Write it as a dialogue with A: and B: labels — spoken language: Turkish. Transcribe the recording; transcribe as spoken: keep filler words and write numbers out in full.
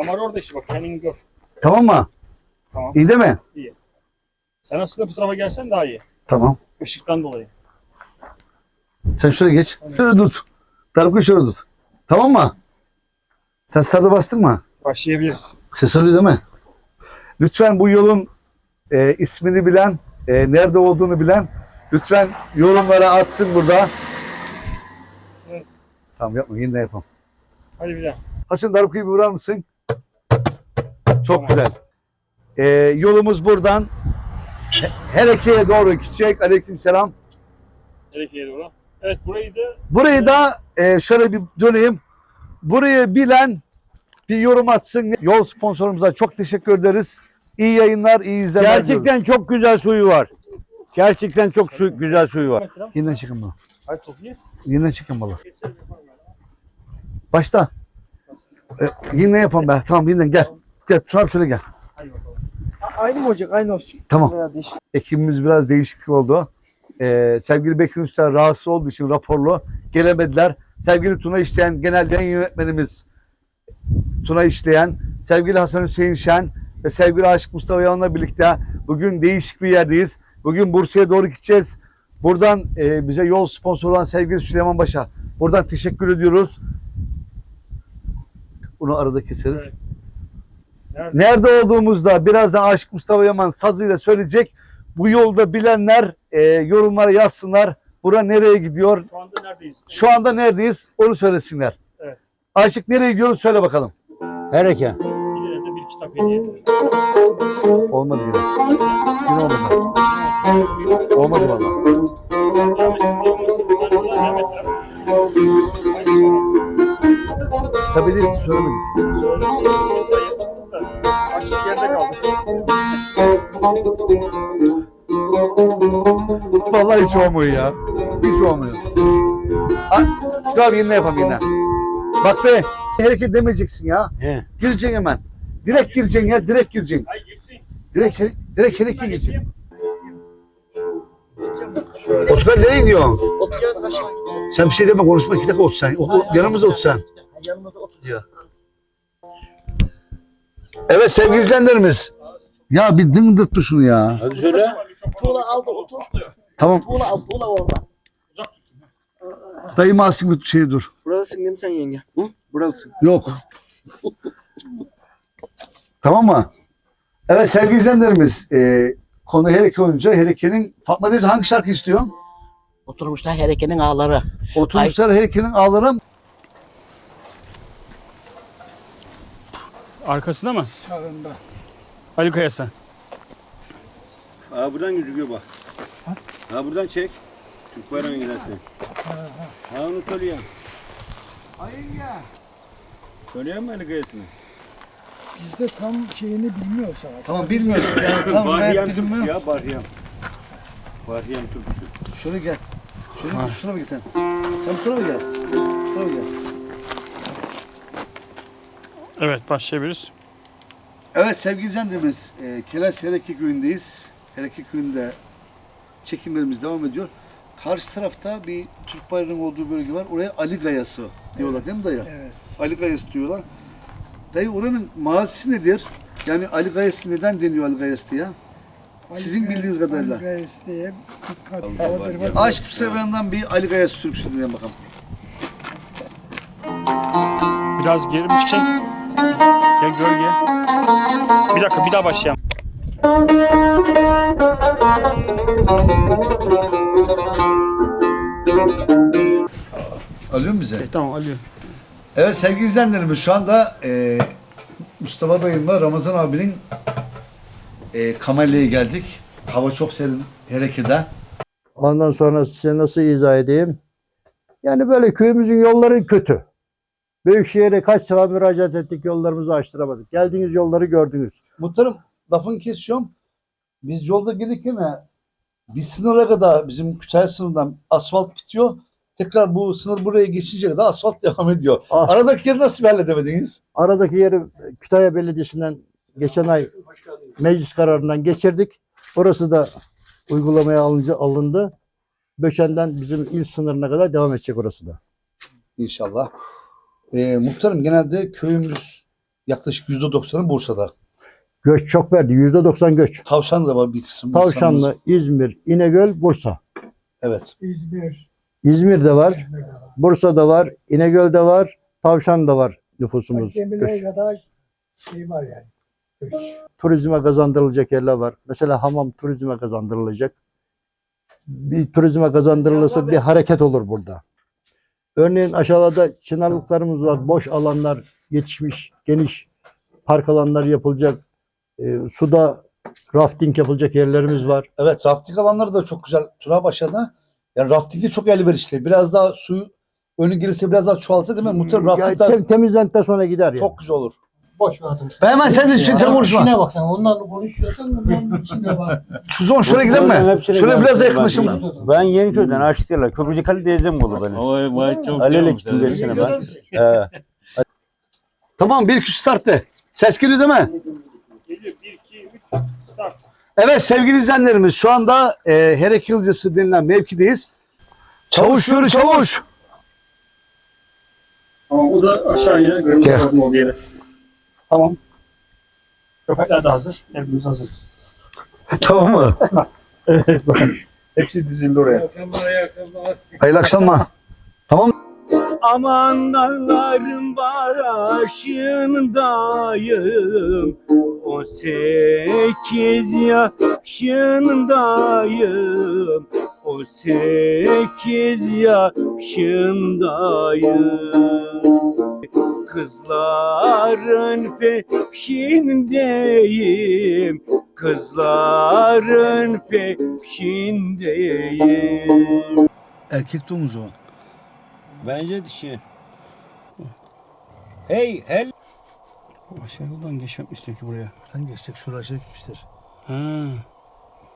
A: Kamera orada işte bak kendini gör.
B: Tamam mı?
A: Tamam.
B: İyi değil mi?
A: İyi. Sen aslında bu tarafa gelsen daha iyi.
B: Tamam.
A: Işıktan dolayı.
B: Sen şuraya geç.
A: Tamam.
B: Şöyle tut. Tarık'ı şöyle tut. Tamam mı? Sen start'a bastın mı?
A: Başlayabiliriz.
B: Ses alıyor değil mi? Lütfen bu yolun e, ismini bilen, e, nerede olduğunu bilen lütfen yorumlara atsın burada.
A: Evet.
B: Tamam yapma, yine yapalım.
A: Hadi bir daha.
B: Hasan Darbuka'yı bir vurar mısın? Çok
A: Tamam.
B: güzel. E, yolumuz buradan Hereke'ye doğru gidecek. Aleykümselam.
A: Gerekiye doğru. Evet burayı da
B: Burayı da e, şöyle bir döneyim. Burayı bilen bir yorum atsın. Yol sponsorumuza çok teşekkür ederiz. İyi yayınlar, iyi izlemeler
C: Gerçekten
B: diliyoruz.
C: çok güzel suyu var. Gerçekten çok su, güzel suyu var.
B: Yeniden çıkın bunu.
A: Hadi çok iyi.
B: Yeniden çıkın bunu. Başta. E, yeniden yapalım be. Tamam yeniden gel. Gel Turan şöyle gel.
A: Hadi bakalım.
D: Aynı mı olacak? Aynı olsun.
B: Tamam.
D: Veya değişik.
B: Ekibimiz biraz değişiklik oldu. Ee, sevgili Bekir Usta rahatsız olduğu için raporlu gelemediler. Sevgili Tuna İşleyen genel yayın yönetmenimiz Tuna İşleyen, sevgili Hasan Hüseyin Şen ve sevgili Aşık Mustafa Yalan'la birlikte bugün değişik bir yerdeyiz. Bugün Bursa'ya doğru gideceğiz. Buradan e, bize yol sponsoru olan sevgili Süleyman Baş'a buradan teşekkür ediyoruz. Bunu arada keseriz.
A: Nerede?
B: Nerede olduğumuzda birazdan Aşık Mustafa Yaman sazıyla söyleyecek. Bu yolda bilenler e, yorumlara yazsınlar. Bura nereye gidiyor?
A: Şu anda neredeyiz?
B: Şu anda neredeyiz? Onu söylesinler.
A: Evet.
B: Aşık nereye gidiyoruz? Söyle bakalım.
C: Hereke.
A: Bir de bir kitap hediye edelim.
B: Olmadı yine. Yine olmadı. Olmadı valla.
A: Gelmesin diye olmasın. Bunlar bunlar gelmediler. Hadi sonra.
B: Kitap hediyesi söylemedik.
A: Sonra mesai yapmışız da. Açlık yerde kaldı.
B: Vallahi hiç olmuyor ya. Hiç olmuyor. Ha, Kitap yeniden yapalım yeniden. Bak be. Hareket demeyeceksin ya.
C: He.
B: Gireceksin hemen. Direkt gireceksin ya. Direkt gireceksin.
A: Hayır geçsin.
B: Direkt, here- direkt hareket gireceksin. Otur nereye gidiyorsun?
D: Oturuyor aşağı gidiyor.
B: Sen bir şey deme konuşma iki dakika otur sen. O, o, yanımızda otur sen.
D: Yanımda oturuyor.
B: Evet sevgili izleyenlerimiz. Ya bir dıngırtma şunu ya.
C: Hadi söyle.
D: Tuğla al da otur.
B: Tamam.
D: Tuğla al. Tuğla orada.
A: Uzak dursun.
B: Dayım alsın bir şey dur.
D: Buralısın değil mi sen yenge? Hı? Buralısın.
B: Yok. Tamam mı? Evet sevgili izleyenlerimiz. E, konu Hereke olunca Hereke'nin Fatma teyze hangi şarkı istiyor?
D: Oturmuşlar Hereke'nin ağları.
B: Oturmuşlar Hereke'nin ağları.
A: Arkasında mı?
E: Sağında.
A: Ali Kayası.
C: Ha buradan gözüküyor bak. Ha buradan çek. Türk bayrağına gidersin. Ha onu söyleyeyim.
E: Ayınca
C: Söyleyeyim mi Ali Kayası'nı?
E: biz de tam şeyini bilmiyoruz aslında.
B: Tamam bilmiyorum. Yani, tamam,
C: Bahriyem
B: ben
C: Türk'ü
B: bilmiyorum.
C: ya Bahriyem. Bahriyem Türk'üsü.
B: Şöyle gel. Şöyle ha. Şuna mı gel sen? Sen bu tarafa gel. Bu tarafa gel.
A: Evet başlayabiliriz.
B: Evet sevgili izleyenlerimiz, e, Keleş Hereke Köyü'ndeyiz. Hereke Köyü'nde çekimlerimiz devam ediyor. Karşı tarafta bir Türk bayrağının olduğu bölge var. Oraya Ali Gayası diyorlar değil mi dayı?
E: Evet.
B: Ali Gayası diyorlar. Dayı oranın mazisi nedir? Yani Ali Gayası neden deniyor Ali Gayası diye? Sizin bildiğiniz kadarıyla.
E: Ali Gayes diye dikkat
C: Allah
E: vardır.
C: Allah.
E: vardır.
B: Aşk Seven'den bir Ali Gayası türküsü dinleyelim bakalım.
A: Biraz geri mi çıkacaksın? Gel gölge. Bir dakika bir daha başlayalım.
B: Alıyor mu bize?
A: E, tamam alıyor.
B: Evet sevgili izleyenlerimiz şu anda e, Mustafa dayımla Ramazan abinin e, Kamelya'ya geldik. Hava çok serin Hereke'de.
F: Ondan sonra size nasıl izah edeyim? Yani böyle köyümüzün yolları kötü. Büyükşehir'e kaç sefer müracaat ettik, yollarımızı açtıramadık. Geldiğiniz yolları gördünüz.
B: Muhtarım lafını kesiyorum. Biz yolda gelirken bir sınıra kadar bizim Kütahya sınırından asfalt bitiyor. Tekrar bu sınır buraya geçince kadar asfalt devam ediyor.
F: Ah.
B: Aradaki yeri nasıl bir halledemediniz?
F: Aradaki yeri Kütahya Belediyesi'nden geçen ay meclis kararından geçirdik. Orası da uygulamaya alınca alındı. Böşen'den bizim il sınırına kadar devam edecek orası da.
B: İnşallah. Ee, muhtarım genelde köyümüz yaklaşık yüzde doksanı Bursa'da.
F: Göç çok verdi. yüzde doksan göç.
B: Tavşan da var bir kısım.
F: Tavşanlı, İzmir, İnegöl, Bursa.
B: Evet.
E: İzmir.
F: İzmir'de var, Bursa'da var, İnegöl'de var, Tavşan'da var nüfusumuz.
E: Gemiler'e
F: Göç.
E: kadar şey var yani. Göç.
F: Turizme kazandırılacak yerler var. Mesela hamam turizme kazandırılacak. Bir turizme kazandırılırsa bir hareket olur burada. Örneğin aşağıda çınarlıklarımız var. Boş alanlar yetişmiş, geniş park alanları yapılacak. E, suda rafting yapılacak yerlerimiz var.
B: Evet, rafting alanları da çok güzel. Turabaşı'da. Yani raftingi çok elverişli. Biraz daha suyu önü gelirse biraz daha çoğalsa değil mi? Muhtemelen
F: Ya,
B: raftingler
F: tem- temizlendikten sonra gider ya.
B: çok güzel olur.
E: Boş ver adam.
B: Ben hemen sen de sen konuşma.
E: İçine bak sen. Onlarla konuşuyorsan onların içine bak.
B: Şu zaman şuraya gidelim mi?
C: Hepsine
B: Şuraya biraz da
C: geldim.
B: yakınlaşın.
C: Ben- Ben Yeniköy'den Aşıklar'la Köprücük Ali teyzem oldu benim.
G: Vay vay çok
C: Alele gittim beş sene ben. Ee,
B: Tamam, bir iki start de. Ses geliyor değil mi?
A: Geliyor. bir, iki, üç, start.
B: Evet sevgili izleyenlerimiz, şu anda e, Herek Yılcası denilen mevkideyiz. Çavuş yürü çavuş.
A: Tamam, bu da aşağıya kırmızı
B: Gel.
A: kapının olduğu yere. Tamam. Köpekler de hazır. Hepimiz hazırız.
B: Tamam mı?
A: Evet, bakın. Hepsi dizildi oraya.
B: Hayırlı akşamlar. Tamam.
C: Aman dağların başındayım, on sekiz yaşındayım, on sekiz yaşındayım. Kızların peşindeyim, kızların peşindeyim.
B: Erkek domuz o.
C: Bence dişi. Hey, hel.
A: Aşağı yoldan geçmek istiyor ki buraya.
B: Buradan geçecek, şuraya gitmiştir.
A: Ha.